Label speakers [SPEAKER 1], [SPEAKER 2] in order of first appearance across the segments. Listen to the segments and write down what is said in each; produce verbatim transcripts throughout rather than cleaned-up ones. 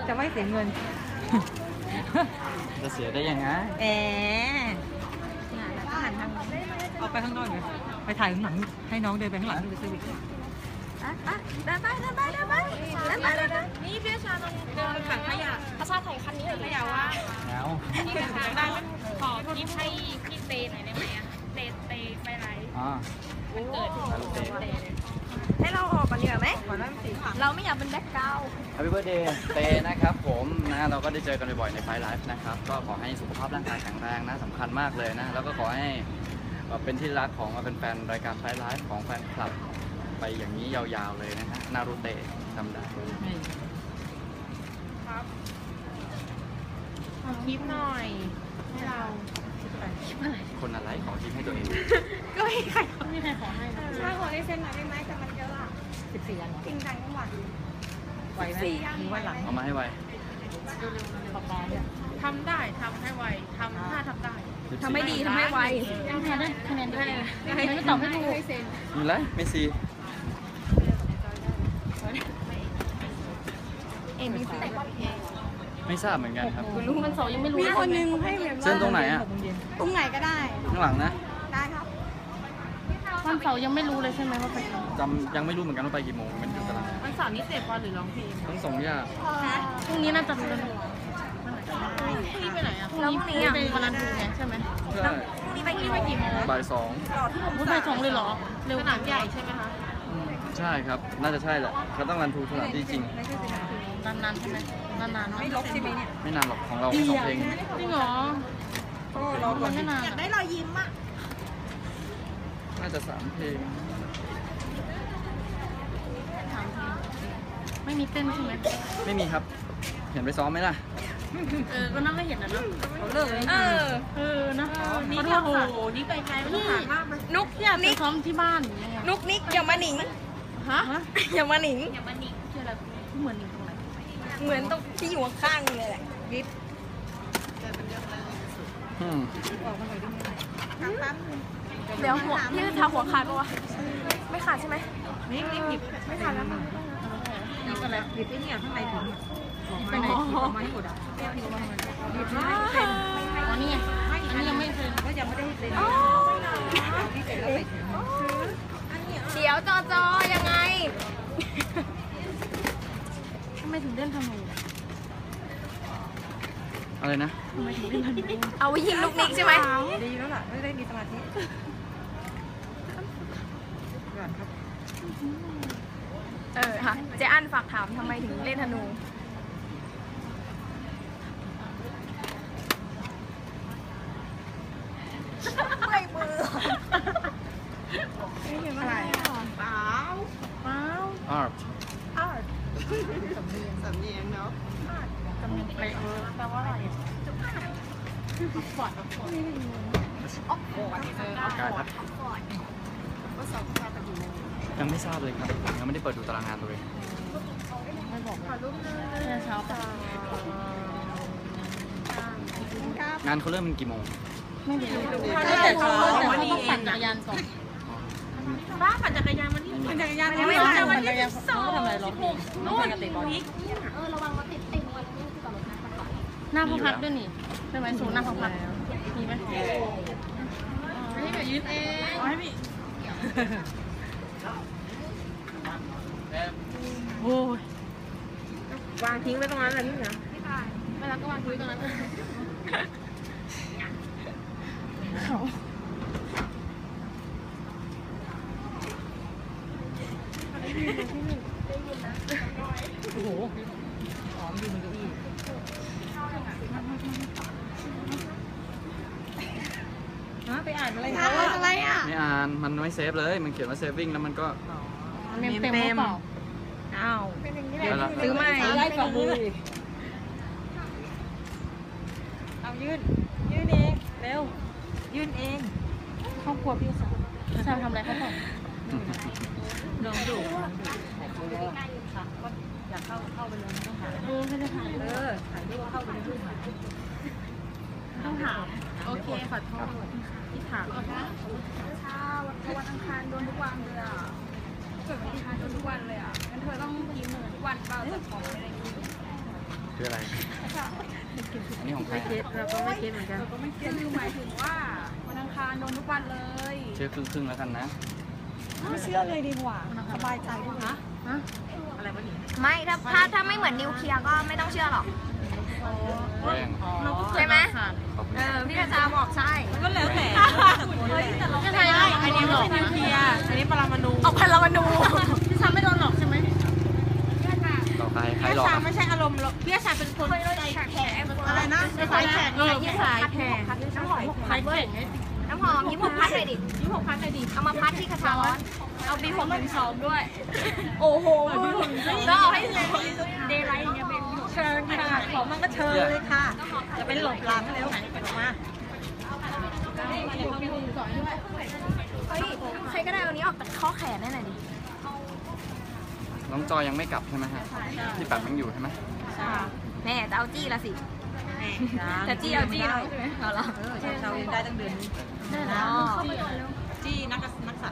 [SPEAKER 1] จะไม่เสียเงิน
[SPEAKER 2] จะเสียได้ยังไง
[SPEAKER 1] แอบเอาไปข้างนอกเลยไปถ่ายข้างหลังให้น้องเดินไปข้างหลังดูเซอร์วิส
[SPEAKER 3] เดินไปเดินไปเดินไปเดินไปเดินไปนี่พี่ชาตรงเดินไปถังขยะพระชาถ่ายคันนี้เลยขยะว่า
[SPEAKER 2] เงา
[SPEAKER 3] พี่ชาได้ขอพี่ให้พี่เตหน่อยได้ไหมอะเตเตไปไร
[SPEAKER 2] อ๋อ
[SPEAKER 3] มันเกิดเตเลยให้เราออกก่อนดีกว่าไหมเราไม่อยากเป็นแบ็คกราวด์
[SPEAKER 2] Happy Birthday เตนะครับผมนะเราก็ได้เจอกันบ่อยๆในไฟล์ไลฟ์นะครับก็ขอให้สุขภาพร่างกายแข็งแรงนะสำคัญมากเลยนะแล้วก็ขอให้เป็นที่รักของเป็นแฟนรายการไฟล์ไลฟ์ของแฟนคลับไปอย่างนี้ยาวๆเลยนะฮะนารูเตะทำได้
[SPEAKER 3] ครับขอคลิปหน่อยให้เรา
[SPEAKER 2] คนอะไรขอคลิปให้ตัวเอง
[SPEAKER 3] ก็ไม่ใครไม่มีใครขอให้นะถ้าขอได้เซ็นหน่อยได้ไหมแต่มันเยอะอะ
[SPEAKER 1] สิบสี่อัน
[SPEAKER 3] จริงจังจังหวัด
[SPEAKER 1] ไหวไหมมีวันหลัง
[SPEAKER 2] เอามาให้ไว
[SPEAKER 3] ทำได้ทำให้ไวทำถ้าทำได้
[SPEAKER 1] ทำไม่ดีทำให้ไว
[SPEAKER 3] คะแนนได้คะแนนได้ไม่ตอบให้ถูก
[SPEAKER 2] มีไรไม่ซี
[SPEAKER 3] เอ็มบีซี
[SPEAKER 2] ไม่ทราบเหมือนกันครับ
[SPEAKER 3] คุณรู้มันสองยังไม่รู้
[SPEAKER 1] มีคนนึงให้
[SPEAKER 2] เส้นตรงไหนอ่ะ
[SPEAKER 3] ตรงไหนก็ได้
[SPEAKER 2] ข้างหลังนะ
[SPEAKER 3] ได้ครับวันเสาร์ยังไม่รู้เลยใช่ไหมว่าไป
[SPEAKER 2] จำยังไม่รู้เหมือนกันว่าไปกี่โมงมันอยู่ตาราง
[SPEAKER 3] วันเสาร์นี้เตะบอลหรือร้องเพลง
[SPEAKER 2] ทั้งสองอย่าง
[SPEAKER 3] พรุ่งนี้น่าจะรู้แล้วพรุ่งนี้ไปไหนอ่ะพรุ่งนี้ไปวันนั้นดูไงใช่ไหม
[SPEAKER 2] ใช่
[SPEAKER 3] พรุ่งนี้ไปกี่ไปกี่โมง
[SPEAKER 2] บ่ายสอง
[SPEAKER 3] บ่ายสองเลยเหรอเร็วหนักใหญ่ใช่ไหมคะ
[SPEAKER 2] ใช่ครับน่าจะใช่แหละเขาต้องรันทูสถานที่จริง
[SPEAKER 3] นานๆใช่ไหมนานๆ
[SPEAKER 1] ไม่ลบใช่ไหมเนี่ย
[SPEAKER 2] ไม่นานหรอกของเราสองเพลง
[SPEAKER 3] จริงเหรอ
[SPEAKER 1] ก็เรา
[SPEAKER 3] ไม่นานอยากได้รอยยิ้มอ่ะ
[SPEAKER 2] น่าจะสามเพลง
[SPEAKER 3] ไม่มีเต้นใช่ไหม
[SPEAKER 2] ไม่มีครับเห็นไปซ้อมไหมล่ะ
[SPEAKER 3] เออก็นั่งไม่เห็นนะเนาะ
[SPEAKER 1] เขาเลิกเลย
[SPEAKER 3] เออเออนะนี่โอ้โหนี่ไกลๆไม่ต้องถามมากเลยนุกอยากไปซ้อมที่บ้านนุกนิกอย่ามาหนิงฮะอย่ามาหนิงอย่ามาหนิงคืออะไรเหมือนหนิงตรงไหนเหมือนตรงที่อยู่ข้างเลยแหละยิบเดี๋ยวหัวพี่ทาหัวขาดปะวะไม่ขาดใช่ไหม
[SPEAKER 1] นี่นี่หยิบ
[SPEAKER 3] ไม่ขาดแล้วมั้ง
[SPEAKER 1] หยิบอะไรหยิบไอ้นี่ข้างในถุงไปไหนหยิบออกมาให้หมดอ่ะหยิบให้เซ็น
[SPEAKER 3] อ๋อนี่ไงอันนี้ยังไม่เซ็น
[SPEAKER 1] ก็ยังไม่ได้เซ็นที่เซ็นแล้วไปถึง
[SPEAKER 3] เดี๋ยวจอจอยังไงทำไมถึงเล่นธนู
[SPEAKER 2] อะไรนะ
[SPEAKER 3] ทำไมถึงเล่นธนูเอาไว้ยิงลูกนิกใช่ไหม
[SPEAKER 1] ดีแล้วล่ะไม่ได้มีสมาธิ
[SPEAKER 3] เออค่ะเจ๊อันฝากถามทำไมถึงเล่นธนูไม่มือไม่เห็นอะไรเปล่าเปล่า
[SPEAKER 2] art
[SPEAKER 3] art สำเนียงสำเนียงเนาะสำเนียงแปลแปลว่าอะไรฟอร์ดฟอร์ดออกฟอร์ด
[SPEAKER 2] อากาศครับ
[SPEAKER 3] ว่าสอบแค่ตะกี้
[SPEAKER 2] ยังไม่ทราบเลยครับยังไม่ได้เปิดดูตารางงานตัวเอง
[SPEAKER 3] ไม่บอกค่ะลูกเช้าค่ะ
[SPEAKER 2] งานเขาเริ่มเป็นกี่โมง
[SPEAKER 3] ไม่รู้แต่เขาต้องปั่นจักรยานก่อนบ้าปั่นจักรยานมันนี่ปั่นจักรยานไม่ได้ปั่นจักรยานเขาทำอะไรหรอนู่นนี่เออระวังรถติดติดวันนี้คือกับรถน้ำก่อนหน้าพักพักด้วยนี่ใช่ไหมศูนย์หน้าพักพักมีไหมให้พี่ยืนเองให้พี่โอ้ยวางทิ้งไว้ตรงนั้นเลยนี่นะไม่ได้เวลาก็วางทิ้งตรงนั้นเขา
[SPEAKER 1] โอ้โหหอมอยู่บนเก้าอี้ฮะไปอ่านอะไรเขา
[SPEAKER 3] อะไรอ่ะ
[SPEAKER 2] ไม่อ่านมันไม่เซฟเลยมันเขียนว่าเซฟวิ่งแล้วมันก็
[SPEAKER 3] เต็มเต็มเปล่าอ้าวซื้อใหม่
[SPEAKER 1] ไล่ฝ่ามือเอายื่นยื่นเองเร็วยื่นเอง
[SPEAKER 3] ครอบครัวพี่สาวพี่สาวทำอะไรเขาบอก
[SPEAKER 1] ลองดูอยากเข้าเข้าไปเลยต้องหา
[SPEAKER 3] เออไม่ได้ถ่าย
[SPEAKER 1] เออถ่ายรูปเข้าไปในรูป
[SPEAKER 3] ต้องถามโอเคขอโทษที่ถามเช้าวันอังคารโดนทุกวันเลยอ่ะเกิดวันอังคารโดนทุกวันเลยอ่ะงั้นเธอต้องกินทุกวันเปล่าจะของอะไรกิน
[SPEAKER 2] คืออะไรอันนี้ของใคร
[SPEAKER 1] ไม่คิดเราก็ไม่คิดเหมือนกัน
[SPEAKER 3] ก็ไม่คือหมายถึงว่าวันอังคารโดนทุกวันเลย
[SPEAKER 2] เชื่อครึ่งครึ่งๆแล้วกันนะ
[SPEAKER 3] ไม่เชื่อเลยดีกว่าสบายใจด้วยนะ
[SPEAKER 1] ฮะอะไรวะเนี่ย
[SPEAKER 4] ไม่ถ้าถ้าถ้าไม่เหมือนนิวเคลียร์ก็ไม่ต้องเชื่อหรอก
[SPEAKER 2] แรง
[SPEAKER 4] ใช่ไหม
[SPEAKER 2] ขอบคุณ
[SPEAKER 4] เออพี่กระจาบอกใช่
[SPEAKER 1] ก็แล้วแต่
[SPEAKER 3] ไม่ใช่อันนี้ไม่ใช่นิวเคลียร์อันนี้ปรมาณู
[SPEAKER 4] เอาพลามานู
[SPEAKER 3] พี่ชาไม่โดนหลอกใช่ไหม
[SPEAKER 2] ต่อใครใคร
[SPEAKER 3] พี่
[SPEAKER 2] หลอก
[SPEAKER 3] ชา
[SPEAKER 2] อะ
[SPEAKER 3] ไม่ใช่อารมณ์หรอกพี่ชาเป็นคนใจแข็งอะไรนะสายแข็ง
[SPEAKER 1] เออที่สายแข่ง
[SPEAKER 4] น้ำหอม
[SPEAKER 3] สายแข็ง
[SPEAKER 4] น้ำหอมยิ้มหกพัดเลยดิ
[SPEAKER 3] ยี่หกพันเลยดิ
[SPEAKER 4] เอามาพัดที่กระชาร้อน
[SPEAKER 3] เอาบีผมเป็นสองด้วย
[SPEAKER 4] โอ้โหก็เอาให้เดย์ไลท์เนี่ยเป็น
[SPEAKER 1] เชิญค่ะของมันก็เชิญเลยค่ะ จะเป็นหลบหลังเร็วมา
[SPEAKER 4] เฮ้ยใครก็ได้เอานี้ออกจากข้อแขนได้หน่อยดิ
[SPEAKER 2] น้องจอยยังไม่กลับใช่ไหมฮะพี่แปมยังอยู่ใช่ไหม
[SPEAKER 4] แม่จะเอาจี้ละสิจะจี้เอาจี้เราใช่ไหมเอาละ
[SPEAKER 1] เออชาวยังได้ตั้งเดือนนี้
[SPEAKER 4] อ๋อ
[SPEAKER 1] จี้นักนักสัตว์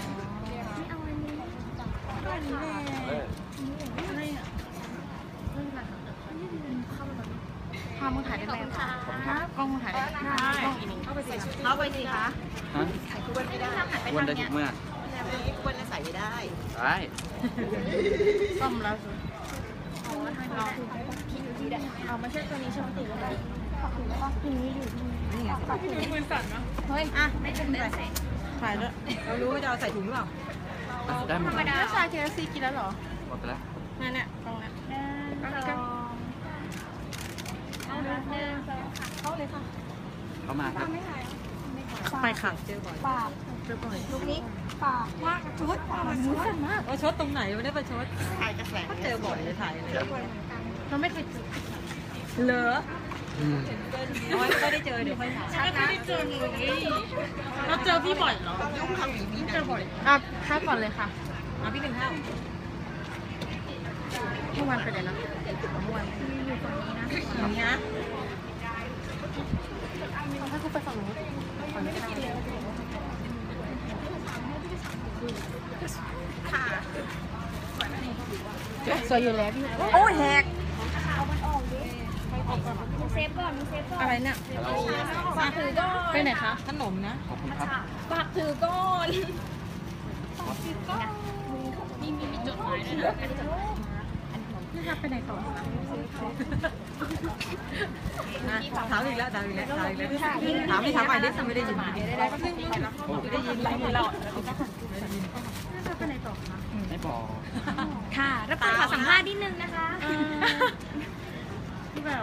[SPEAKER 3] พามึงถ่ายได้ไหมกล้องมึงถ่ายได้ไหมกล้องอีกนิด
[SPEAKER 1] เข้าไปสิคะ
[SPEAKER 2] ฮะวันได้ทุกเมื่อ
[SPEAKER 1] ควรจะใส่ไม่ได้
[SPEAKER 2] ได้
[SPEAKER 3] ซ่อมแล้ว
[SPEAKER 4] เอาไม่ใช่ตัวนี้ใช่ไหมติว่า
[SPEAKER 1] นี่ไง
[SPEAKER 3] มือสั่นนะ
[SPEAKER 4] เฮ้ยอ่ะไม่เป็นไร
[SPEAKER 1] ถ่ายแล้วเรารู้ว่าจะเอาใส่ถุงหรือเปล่า
[SPEAKER 2] ได้หมด
[SPEAKER 4] ธรรมดา
[SPEAKER 3] แล้วชาเคฟซีกินแล้วหรอ
[SPEAKER 2] หมดไปแล้ว
[SPEAKER 3] นั่นเนี่ยกล้องเนี่ย
[SPEAKER 4] เข้าเลยค่ะ
[SPEAKER 2] เข้ามาครับ
[SPEAKER 1] ไปค่ะเจอบ่อย
[SPEAKER 4] ปากลูกนี้ปากมากชุดปากมันชุดมาก
[SPEAKER 1] ว่าชดตรงไหนไม่ได้ไปชดถ่ายกระแสเจอบ่อยเลยถ่ายเลย
[SPEAKER 3] เราไม่เคยเจอ
[SPEAKER 1] เหรอ
[SPEAKER 2] อืม
[SPEAKER 1] น้อยก็ได้เจอเดี๋ยวค่อยถ่าย
[SPEAKER 3] ไม่ได้เจอเลยเราเจอพี่บ่อยเหรอเจอบ่อยอ่ะข้าก่อนเลยค่ะ
[SPEAKER 1] มาพี่หนึ่งข้าว
[SPEAKER 3] เมื่อวานไปไหนนะ
[SPEAKER 4] มวนอยู่ตรงนี้นะ
[SPEAKER 1] อย่างนี้นะ
[SPEAKER 3] ถ้าเขาไปฝั่งนู้นฝั่งนี้ก็ได้
[SPEAKER 4] ค่ะ
[SPEAKER 3] สวยอยู่แล้วพี่
[SPEAKER 4] โอ้ยแหกเอามันออกดิมึงเซฟก่อนมึงเซฟก่อน
[SPEAKER 3] อะไรเนี่ย
[SPEAKER 2] ฮัลโหล
[SPEAKER 4] ฝากถือก่อน
[SPEAKER 3] ไปไหนคะ
[SPEAKER 1] ขนมนะ
[SPEAKER 2] ขอบคุณครับ
[SPEAKER 4] ฝากถือก่อน
[SPEAKER 3] มีมีมีจดหมายด้วยนะพี่ทับไปไหนต่อ
[SPEAKER 1] ถามอีกแล้วถามอีกแล้วถามอีกแล้วถามไม่ถามใหม่ได้ไม่ได้ยินไม่ได้ยินไรไม่รอด
[SPEAKER 3] ไปไหนต่อคะ
[SPEAKER 2] ไม่บอก
[SPEAKER 4] ค่ะรับขอสัมภาษณ์นิดนึงนะคะ
[SPEAKER 3] ที่แบบ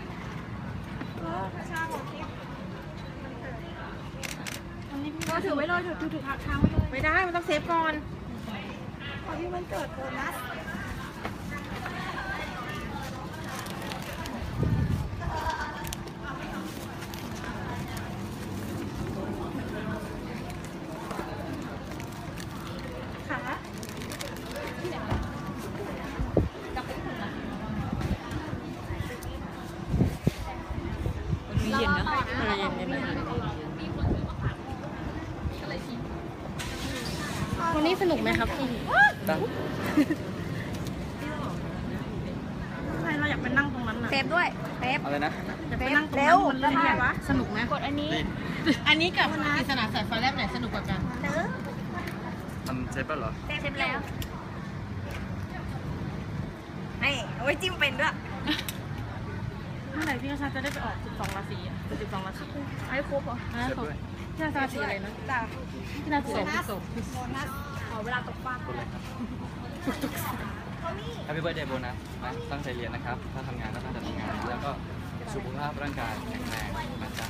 [SPEAKER 4] ก็ถือไว้เลยถือถือถือค้างไว้เลย
[SPEAKER 3] ไม่ได้มันต้องเซฟก่อน
[SPEAKER 4] ขอที่มันเกิดโบนัส
[SPEAKER 1] มีเย็นนะ
[SPEAKER 3] อะไรเย็นเย็นวันนี้สนุกไหมครับพี่
[SPEAKER 2] ตั้ง
[SPEAKER 3] ใช่เราอยากไปนั่งตรงนั้นน่ะ
[SPEAKER 4] เซฟด้วยเซฟ
[SPEAKER 2] อะไรนะ
[SPEAKER 3] อยากไปนั่งตรง
[SPEAKER 4] เร็
[SPEAKER 3] นั้น
[SPEAKER 4] ว
[SPEAKER 3] มันเล่นไงวะสนุกไหม
[SPEAKER 4] กดอันนี้
[SPEAKER 3] อันนี้กับปริศนาสายฟ้าแลบไหนสนุกกว่ากัน
[SPEAKER 4] เด้อ
[SPEAKER 2] มันเซฟแล้วเหรอ
[SPEAKER 4] เซฟแล้วให้เอาไว้จิ้มเป็นด้วย
[SPEAKER 3] เมื่อไหร่พี่กระชาจะได้ไปออกสิบสองราศีอ่ะสิบสองราศี
[SPEAKER 4] ให้ครบเหรอ
[SPEAKER 3] นะ
[SPEAKER 2] เซฟด้วย
[SPEAKER 3] พี่กระชาราศีอะไรนะ
[SPEAKER 4] จ้ะ
[SPEAKER 3] พี่นาศีอะไร
[SPEAKER 1] ศพ
[SPEAKER 4] โบนัสขอเวลาตกปลา
[SPEAKER 2] คนเลยครับ
[SPEAKER 4] เขามี
[SPEAKER 2] Happy Birthday โบนัสนะตั้งใจเรียนนะครับ ถ้าทำงานก็ตั้งใจทำงาน แล้วก็สุขภาพร่างกายแข็งแรงนะจ๊ะ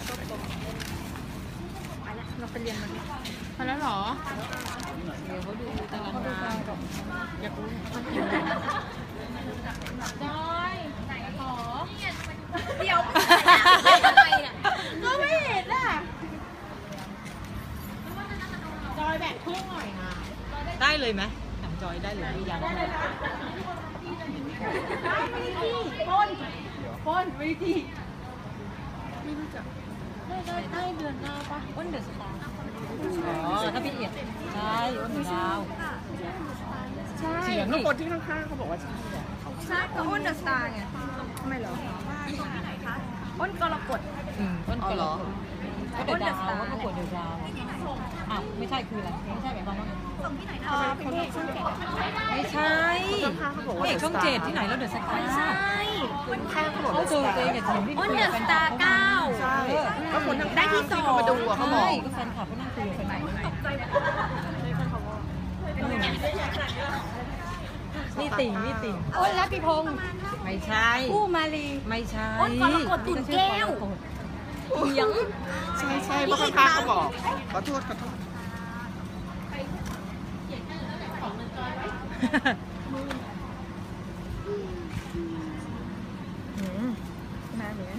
[SPEAKER 4] ไปแล้วเราไปเรียนมันดิ
[SPEAKER 3] มาแล้วเหรอ
[SPEAKER 1] เดี๋ยวเขาดูตารางงาน
[SPEAKER 3] อยากรู้
[SPEAKER 4] จอยขอเดี๋ยวทำไมเนี่ย
[SPEAKER 3] ก็ไม่เห็นอ่ะจอยแบกพึ่งหน่อยนะ
[SPEAKER 1] ได้เลยไหมถามจอยได้เลยยัง
[SPEAKER 3] พ่นพ่นวิธีไม่รู้จักได้ได้ได้เดือนหน้าปะ
[SPEAKER 1] อ้นเดือดสตาร์อ๋อถ้าพี่เอียดใช่อ้นดาว
[SPEAKER 3] ใช่เสียงทุกคนที่ข้างๆเขาบอกว่าใช่
[SPEAKER 4] ใช่ก็อ้นเดอะสตาร์ไงทำไมเหรออ้นกรกฎ
[SPEAKER 1] อืมต้นกระหรอก็เดือดดาวก็ประกวดเดือดดาวอ่ะไม่ใช่คืออะไรไม่ใช่แบบว่าไม่ใช่เอกช่องเจ็ดที่ไหนแล้วเดือดสตาร์ไม่ใช่เขาเจอตัวเองกับทีมที่
[SPEAKER 4] อ้นเดอะสตาร์เก้า
[SPEAKER 1] ใช่ก็คนทั้ง
[SPEAKER 4] ได้ที่สอง
[SPEAKER 1] มาดูอ่ะเขาบอกก็แฟนคลับก็นั่งคุยกันไหนนี่ติ่งนี่ติ่ง
[SPEAKER 4] อ้นรัตติพงศ์
[SPEAKER 1] ไม่ใช่
[SPEAKER 4] ผู้มาลี
[SPEAKER 1] ไม่ใช่
[SPEAKER 4] อ้นกรกฎตุ่นแก้วเถียง
[SPEAKER 5] ใช่ใช่เพราะข้างๆเขาบอกขอโทษขอโทษ
[SPEAKER 4] มาเหมือน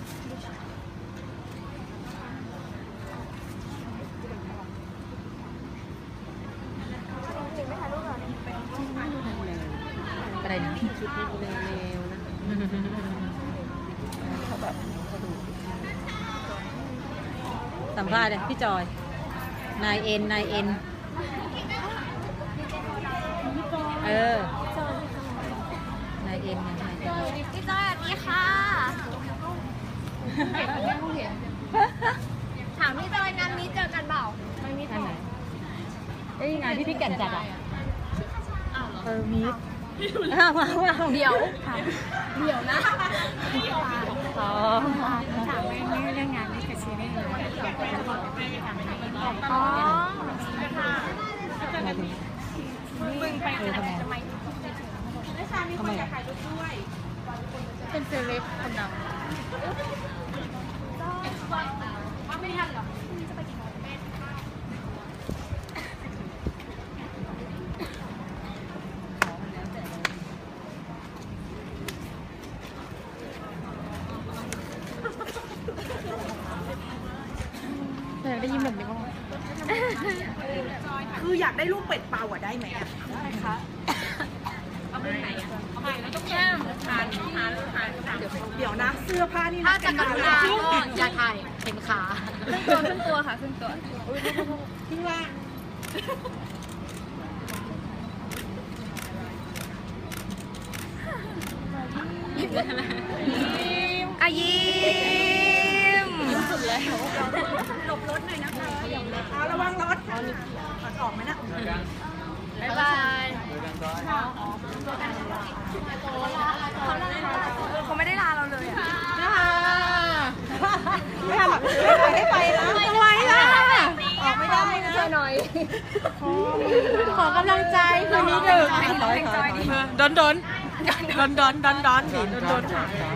[SPEAKER 1] อะไรนะชุดเร็วๆนะเขาแบบสัมภาษณ์เลยพี่จอยนายเอ็นนายเอ็นเออนายเอ็นนายเอ็น
[SPEAKER 4] พี่จอยสวัสดีค่ะถามพี่จอยงานนี้เจอกันเปล่าไม่มี
[SPEAKER 1] อันไหนเอ้ยงานที่พี่แก่นจัดอ่ะเออมีอ้าวมาว้าว
[SPEAKER 4] เดี๋ยวเดี๋ยวนะ
[SPEAKER 1] อ๋อ
[SPEAKER 4] ถามไม่ไม่เรื่องงานไม่กับชีวิตเลยอ๋อ
[SPEAKER 1] มาถึงมึงไปเออทำไมทำไมอ่ะ
[SPEAKER 4] เป็นเซเลบคนดัง
[SPEAKER 1] แต่ได้ยินแบบนี้บ้าง
[SPEAKER 5] คืออยากได้ลูกเป็ดเป่าอ่ะได้ไหมอ่ะ เดี๋ยวนะเสื้อผ้านี่
[SPEAKER 4] ถ้า
[SPEAKER 5] นะ
[SPEAKER 4] จะกรุณาก็อย่าถ่ายเห็นขาครึ่งตัวครึ่งตัวค่ะครึ่งตัว
[SPEAKER 5] ที่ว่า
[SPEAKER 4] อายิ้มสุดแล้ว
[SPEAKER 5] เอาระวังรถออกไหมนะ
[SPEAKER 4] บ๊ายบายเขาไม่ได้ลาเราเลยอ่ะ
[SPEAKER 1] ไม่ทำไม่ให้ไปนะ
[SPEAKER 4] ทำไมล่ะ
[SPEAKER 1] ออกไม่ได้นะ
[SPEAKER 4] ช่วยหน่อย
[SPEAKER 1] ขอกำลังใจคืนนี้ดึก
[SPEAKER 4] เพลงจอยดี
[SPEAKER 1] ดอนดอนดอนดอนดอนดอนดอนดอน